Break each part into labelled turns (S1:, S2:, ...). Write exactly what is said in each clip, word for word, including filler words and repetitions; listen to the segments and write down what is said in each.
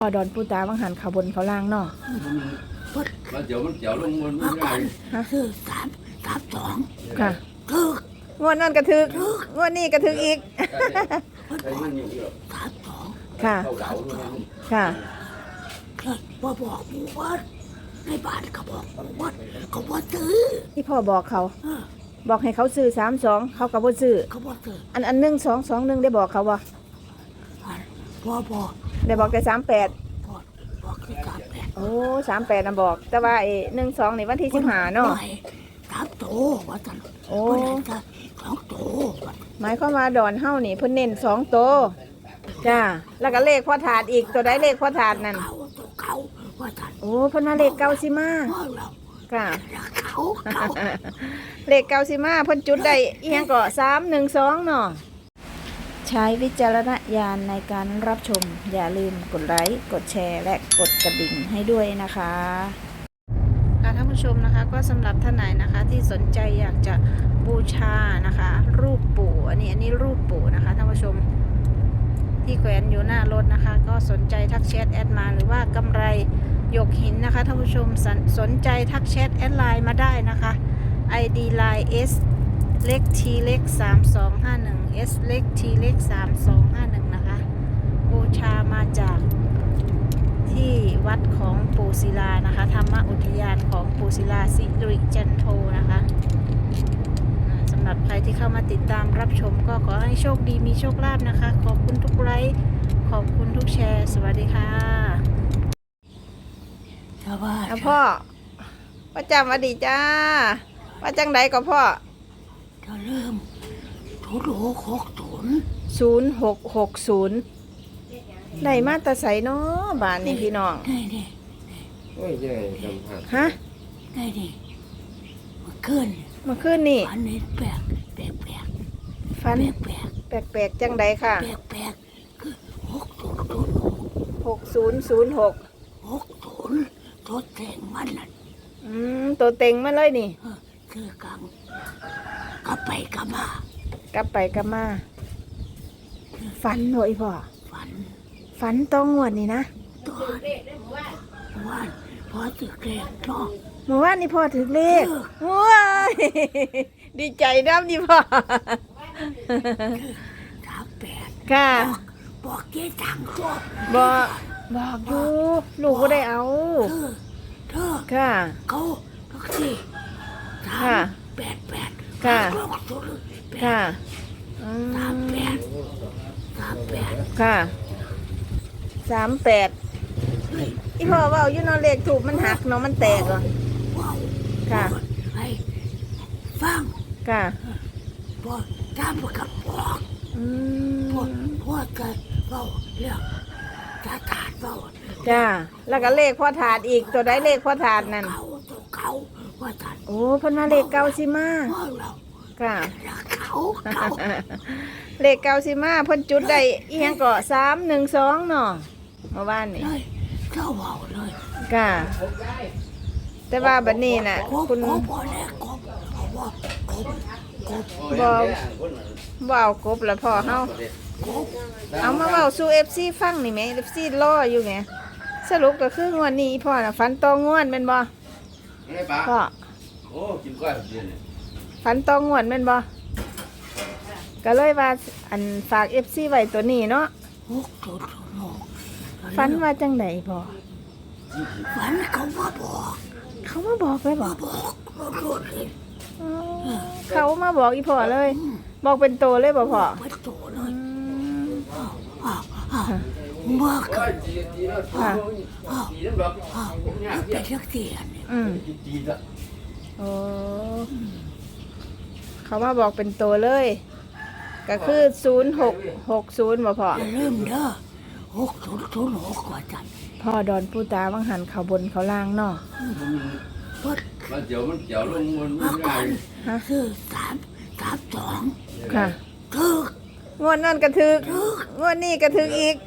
S1: พอดอนปูตาวังหันเขาบนเขาล่างเนาะ
S2: แล้วเดี๋ยวมันเดี๋ยวลงมันไม่ได้
S3: ฮะคือสามสามสอง
S1: ค่ะ
S3: ถึก
S1: งวดนั่นกระทึกงวดนี้กระทึกอีก
S3: สามสอง
S1: ค่ะค่ะ
S3: เลยว่าบอกหมู่บ้านในบ้านเขาบอกหมู่บ้านเขาบอกซื้อ
S1: ที่พ่อบอกเขาบอกให้เขาซื้อสามสองเขาก็บ่ซื้อ
S3: เขาบอกซื้อ
S1: อันอันหนึ่งสองสองหนึ่งได้บอกเขาบ่
S3: พ่อบอก
S1: ได้บอกแต่สามแปด
S3: บอกคือสามแปด
S1: โอ้สามแปดนะบอกแต่ว่าไอ้หนึ่งสองนี่วันที่สิบห้าเนาะ
S3: สามโตว่าจัน
S1: โอ้
S3: สองโต
S1: หมายความว่าดอนเฮ้านี่เพิ่นเน้นสองโตจ้าแล้วก็เลขพ่อถาดอีกตัวใดเลขพ่อถาดนั่น
S3: เขาเขาว่าจัน
S1: โอ้เพิ่นมาเลขเก้าสิมาค่ะ
S3: เขาเขา
S1: เลขเก้าสิมาเพิ่นจุดได้อีหยังก็สามหนึ่งสองเนาะใช้วิจารณญาณในการรับชมอย่าลืมกดไลค์กดแชร์และกดกระดิ่งให้ด้วยนะคะท่านผู้ชมนะคะก็สำหรับท่านไหนนะคะที่สนใจอยากจะบูชานะคะรูปปู่อันนี้อันนี้รูปปู่นะคะท่านผู้ชมที่แขวนอยู่หน้ารถนะคะก็สนใจทักแชทแอดมาหรือว่ากำไรหยกหินนะคะท่านผู้ชมสนสนใจทักแชทแอดไลน์มาได้นะคะ ไอ ดี ไลน์ S เล็ก T เล็กสามสองห้าหนึ่ง S เล็ก T เล็กสามสองห้าหนึ่งนะคะบูชามาจากที่วัดของปู่ศิลานะคะธรรมอุทยานของปู่ศิลาสิริจันโทนะคะสำหรับใครที่เข้ามาติดตามรับชมก็ขอให้โชคดีมีโชคลาภนะคะขอบคุณทุกไลค์ขอบคุณทุกแชร์สวัสดีค่ะ
S3: สวัสดี
S1: พ่อประจำอดีจ้าว่าจังไดก็พ่อ
S3: จะเริ่มศูนย์หกหกศูนย์
S1: ศูนย์หกหกศูนย์ได้มาตะใสเนาะบ้านนี่พี่น้อง
S3: ได้ดิ
S2: โอ้ยใหญ่จำหัก
S1: ฮะ
S3: ได้ดิมาขึ้น
S1: มาขึ้นนี่
S3: ฝันนี่แปลกแปลกแปลก
S1: ฝัน
S3: แปลก
S1: แปลกแปลกจังไดค่ะ
S3: แปลกแปลกคือหกศูนย์ศูนย์หก
S1: หกศูนย์ศูนย์หก
S3: หกศูนย์ตัวเต็งมันนั่น
S1: อืมตัวเต็งมาเลยนี่
S3: คือกังกลับไปกลับมาก
S1: ลับไปกลับมาฝันหน่อยพ่อ
S3: ฝัน
S1: ฝันต้องงวดนี่นะ
S3: ตัวว่านพอถึงเลขเนาะ
S1: เมื่อวานนี่พ่อถึงเลขว้ายดีใจน้ำนี่พ่อ
S3: สามแปด
S1: ค่ะ
S3: บอกเจ๊ตังตัว
S1: บอกบอกอยู่ลูกก็ได้เอา
S3: เธอเธอ
S1: ค่ะ
S3: เขาทุกทีสามแปดแปด
S1: ค่ะ
S3: ค่ะสามแปดสามแปด
S1: ค่ะสามแปดอีพ่อว่าอยู่นอนเลขถูกมันหักเนาะมันแตกเหรอค่ะ
S3: ให้ฟัง
S1: ค่ะ
S3: บอกตามกับบอกพวกพวกกันเบาเรื่องจะถาดเบา
S1: จ้าแล้วก็เลขพ่อถาดอีกตัวได้เลขพ่อถาดนั่น
S3: เขาตัวเขาว่าถาด
S1: โอ้เพิ่นมาเลขเก้าสิมาค่ะ
S3: เขาเขา
S1: เลขเก้าสิมาเพิ่นจุดได้อีหยังก็สามหนึ่งสองเนาะเมื่อวานนี่
S3: เจ้าเบาเลย
S1: ค่ะแต่ว่าบัดนี้น่ะคุณ
S3: บ่บ่แลกกบบ่กบกบ
S1: บ่บ่เอากบแล้วพ่อเฮาเอามาเว้าสู่ เอฟ ซี ฟังนี่แหม เอฟ ซี รออยู่ไงสรุปก็คืองวดนี้พ่อน่ะฝันตองงวดแม่นบ่พ่อ
S2: โอ้กินก้อยเดียวนี่
S1: ฝันตองงวดแม่นบ่ก็เลยว่าอันฝาก เอฟ ซี ไว้ตัวนี้เนาะฝันว่าจังไดพ่อ
S3: ฝันเขามาบอก
S1: เขามาบอกเลยบ่
S3: บอก
S1: เขามาบอกอีพ่อเลยบอกเป็นโตเลยบ่พ่อ
S3: เป็นโตเลยเมื่อกี้ค่ะเป็นเรื่องเสียน
S1: อืมโอ้เขามาบอกเป็นโตเลยก็คือศูนย์หกหกศูนย์บ่พ่อ
S3: เริ่มเด้อหกศูนย์ศูนย์หกกว่าจัน
S1: พ่อดอนปูตาวังหันเขาบนเขาล่างเนาะ
S2: แล้วเดี๋ยวมันเดี๋ยวลงมันไม่ได้
S3: คือสามสามสอง
S1: ค่ะ
S3: ถึก
S1: งวดนั่นกระทึกงวดนี้กระทึกอีก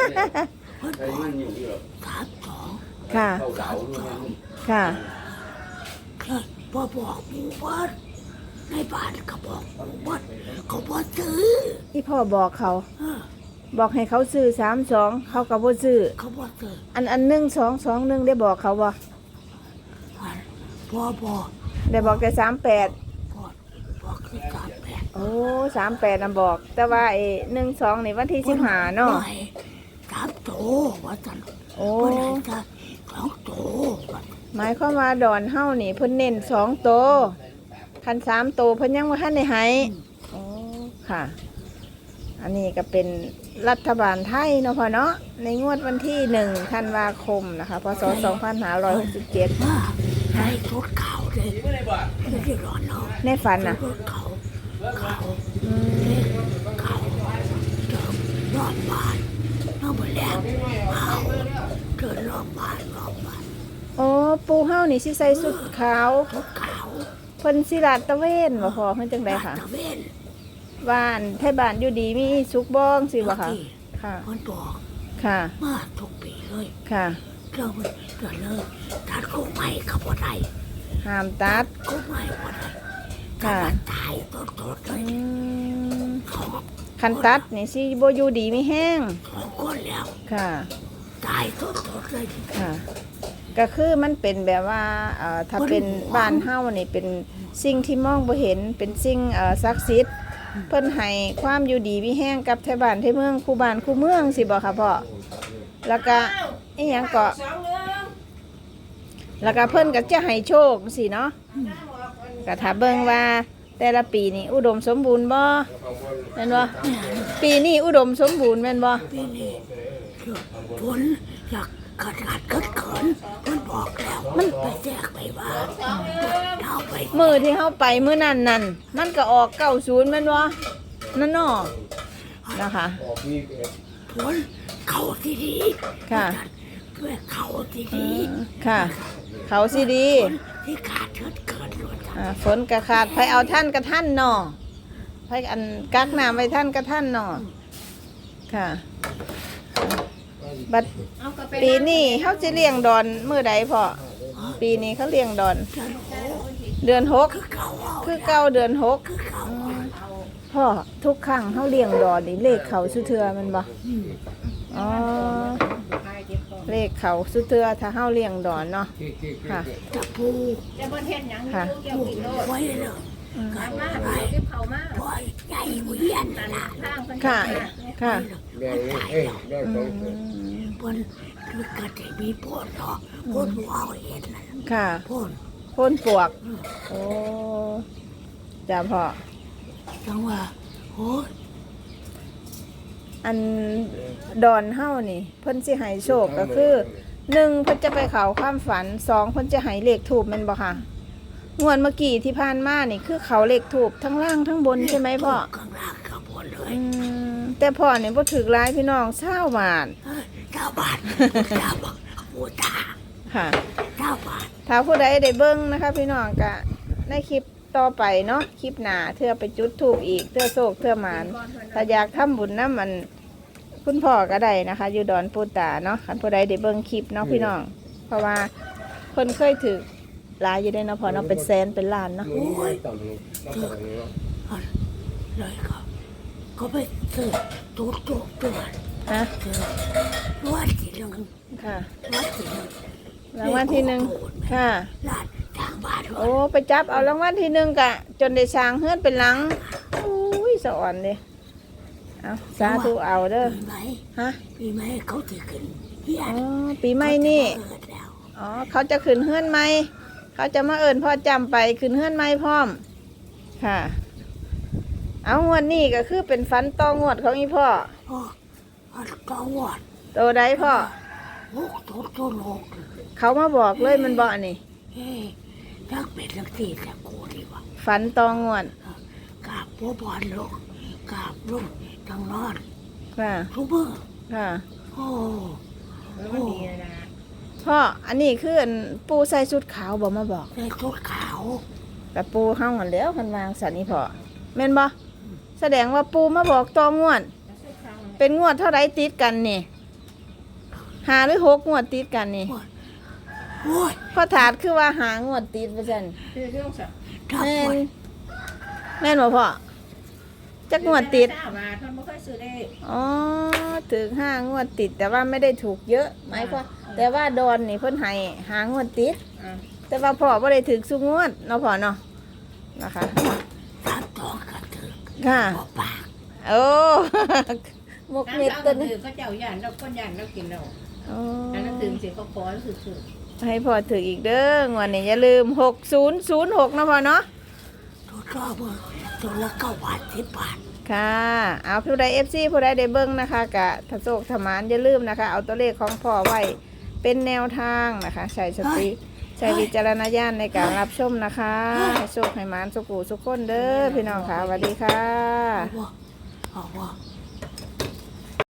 S3: สามสอง
S1: ค่ะค่ะ
S3: เลยพอบอกหมู่บ้านในบ้านเขาบอกหมู่บ้านเขาบอกซื้อ
S1: อีพ่อบอกเขาบอกให้เขาซื้อสามสองเขาก็บ่ซื้อ
S3: เขาบอกเจอ
S1: อันอันหนึ่งสองสองหนึ่งได้บอกเขาบ่
S3: พันพ่อบอก
S1: ได้บอกแต่สามแปด
S3: พ่อบอกคือสามแปด
S1: โอ้สามแปดน่ะบอก แต่ว่าไอ้หนึ่งสองนี่วันที่สิบห้าเนาะ
S3: ไม่สามโตว่าจัน
S1: โอ้
S3: วันไหนจะสองโตว่า
S1: หมายความว่าดอนเฮานี่เพิ่นเน้นสองโตคันสามโตเพิ่นยังบ่ทันได้ให้โอ้ค่ะ อันนี้ก็เป็นรัฐบาลไทยเนาะพ่อเนาะในงวดวันที่หนึ่งธันวาคมนะคะพศสองพันห้าร้อยหกสิบเจ็ด
S3: ว่าให้รถเขาเลยไม่ได้ร้อนเนาะ
S1: ในฝันน่ะ
S3: รถเขาเขา
S1: อืม
S3: เขาเดินรอบบ้านน้องบนแหลมเขาเดินรอบบ้านรอบบ้าน
S1: โอ้ปูเฮานี่สิใส่สุดขาว
S3: รถเขา
S1: เพิ่นสิลาดตระเวนบ่พอเพิ่นจังไดค่ะ
S3: ตะเวน
S1: บ้านไทบ้านอยู่ดีมีสุขบ้องสิบ่ค่ะ ค่ะ
S3: มันบอก
S1: ค่ะ
S3: มาทุกปีเลย
S1: ค่ะ
S3: เราเราเลิกตัดกุ้งใหม่กับบ่ได้
S1: ห้ามตัด
S3: กุ้งใหม่บ่ได้
S1: ค่ะ
S3: ถ้ามันตายต้นต้นเล
S1: อื
S3: ย
S1: ม
S3: เขา
S1: คันตัดนี่สิบ่อยู่ดีมีแห้ง
S3: สองคนแล้ว
S1: ค่ะ
S3: ตายต้นต้นเลย
S1: ค่ะ ก็คือมันเป็นแบบว่าเอ่อถ้าเป็นบ้านเฮานี่เป็นสิ่งที่มองบ่เห็นเป็นสิ่งเอ่อศักดิ์สิทธิ์เพิ่นให้ความอยู่ดีมีแห้งกับไทบ้านไทเมืองคู่บ้านคู่เมืองสิบ่ค่ะพ่อแล้วก็อีหยังก็แล้วก็เพิ่นก็จะให้โชคสิเนาะก็ถ้าเบิ่งว่าแต่ละปีนี่อุดมสมบูรณ์บ่แม่นบ่ปีนี้อุดมสมบูรณ์แม่นบ่
S3: ปีนี้ฝนอยากขาดขาดเกิดเขินมันบอกแล้วมันไปแจกไปว่าเอาไป
S1: มือที่เฮาไปมื้อนั้นนั่นมันก็ออกเก้าศูนย์แม่นบ่นั่นเนาะนะคะ
S3: ฝนเขาที่ดี
S1: ค่ะ
S3: เพื่อเขาที่
S1: อื
S3: ดี
S1: มค่ะ เขาสิดี
S3: ฝนที่ขาดเกิดเขินล้วน
S1: อ่าฝนกระขาดไผเอาท่านกระท่านเนาะไผอันกักน้ำไว้ท่านกระท่านเนาะค่ะ บัดปีนี้เขาจะเลี้ยงดอนมื้อใดพ่อปีนี้เขาเลี้ยงดอน เดือนหก
S3: คือเขาเอา
S1: คือเก้าเดือนหก
S3: คือเขา
S1: พ่อทุกครั้งเขาเลี้ยงดอนนี่เลขเขาสุเทือแมันบ่อ๋อเลขเขาสุเทือถ้าเขาเลี้ยงดอนเนาะค่ะ
S3: จะพู
S1: ค่ะ
S3: พูไว้เลยกันไปปล่อยใหญ่เวียนนั่นล่ะ
S1: ค่ะค่ะ
S3: มันตายแล้ว
S1: อืม
S3: มันมันก็จะมีพ่นเนาะพ่นหัวเอาเห็นนั่น
S1: ค่ะ
S3: พ่น
S1: พ่นปวกโอ้จ้าพ่อ
S3: จังว่าโอ้ย
S1: อันดอนเฮานี่เพิ่นสิให้โชคก็คือหนึ่งเพิ่นจะไปเขาความฝันสองเพิ่นจะให้เลขถูกแม่นบ่ค่ะงวดเมื่อกี้ที่ผ่านมานี่คือเขาเลขถูกทั้งล่างทั้งบนใช่ไหมพ่อ
S3: ข้างล่างข้างบนเลย
S1: อืมแต่พ่อนี่บ่ถูกหลายพี่น้องเศร้าบาท
S3: เฮ้ยเจ้าบาทเจ้าบาทปูตา
S1: ค่ะ
S3: เจ้าบาท
S1: ถ้าผู้ใดได้เบิ่งนะคะ พี่น้องก็ในคลิปต่อไปเนาะคลิปหน้าเทื่อไปจุดถูกอีกเทื่อโศกเทื่อหมานถ้าอยากทำบุญน้ำมันคุณพ่อก็ได้นะคะ อยู่ดอนปูตาเนาะคันผู้ใดได้เบิ่งคลิปเนาะพี่น้อง เพราะว่าคนเคยถือหลายอยู่ได้เนาะพอเนาะเป็นแสนเป็นล้านเนาะ
S3: โอ้ยเลยครับก็ไปซื้อตุ๊กตุ๊กตัว
S1: ฮะ
S3: ซื้อวัดที่หนึ่ง
S1: ค่ะ
S3: วัดที่หนึ่ง
S1: รางวัลที่หนึ่งค่ะ
S3: ลาดทางบ้าน
S1: โอ้ไปจับเอารางวัลที่หนึ่งกะ จนได้สร้างเฮือนเป็นหลังอุ้ยสะอ่อนเลยเอาสาธุเอาเด้อ
S3: ปีไหม
S1: ฮะ
S3: ปีไหมเขาจะขึ้นเฮีย
S1: อ๋อปีใหม่นี่
S3: เกิดแล้ว
S1: อ๋อเขาจะขึ้นเฮือนใหม่เขาจะมาเอิญพ่อจำไปขึ้นเฮือนใหม่พร้อม ค่ะ เอางวดนี้ก็คือเป็นฟันต่องวดของอีพ่อ
S3: โอ้อันก็วัด
S1: โตได้พ่อ
S3: หกตัวตัวหก
S1: เขามาบอกเลยมันบอกนี่
S3: เฮ้ยนักเป็ดนักตีแต่กูดีวะ
S1: ฝันต่องวด
S3: กราบพ่อบอลลงกราบลุงทางนอน
S1: ค่ะ
S3: ทุกเมื่อ
S1: ค่ะ
S3: โอ้โอ้
S1: พ่ออันนี้คืออันปูใส่ชุดขาวบอกมาบอก
S3: ในชุดขาว
S1: แต่ปูเฮาหันแล้วคันวางสันนี่พ่อแม่นบ่แสดงว่าปูมาบอกต่องวด เป็นงวดเท่าไรติดกันนี่หาหรือหกงวดติดกันนี่
S3: โอ้ย
S1: พ่อถาดคือว่าหางวดติดว่าซั่น
S3: ทับ
S1: แม่
S3: หม
S1: น
S3: ด
S1: แม่นบ่พ่อจักงวดติด
S4: เจ้ามาเพิ่นบ่เคยซื้อได้
S1: อ๋อถึงห้างวดติดแต่ว่าไม่ได้ถูกเยอะหมายความแต่ว่าดอนนี่เพิ่นให้หางวดติด
S4: อ่า
S1: แต่ว่าพ่อบ่ได้ถึกสุงวดเนาะพ่อเนาะนะคะ
S3: สามตองก็ถือ
S1: ค่ะ
S3: บ่ปาก
S1: โอ้ มก
S4: น้ำ
S1: เม็ด
S4: เจ้า
S1: ตั
S4: ก็
S1: วนี้
S4: ถือเขาเจ้าย่านเราคนย่านเรากินเรา
S1: อ๋อ
S4: อันนั้นถึงสิเขาขอถือถือ
S1: ให้พ่อถึกอีกเด้องวดนี้อย่าลืมหกศูนย์ศูนย์หกนะพ่อเนาะ
S3: ตัวชอบว่าตัวละเก้าบาทสิบบาท
S1: ค่ะ เอาผู้ใด เอฟ ซี ผู้ใดได้เบิ่งนะคะกะทะโศกทมานอย่าลืมนะคะ เอาตัวเลขของพ่อไว้เป็นแนวทางนะคะใช้สติใช้วิจารณญาณในการรับชมนะคะให้โชคให้หมานสุขูสุขคนเด้อพี่น้องค่ะสวัสดีค่ะ
S3: เอาว่าเอาว่า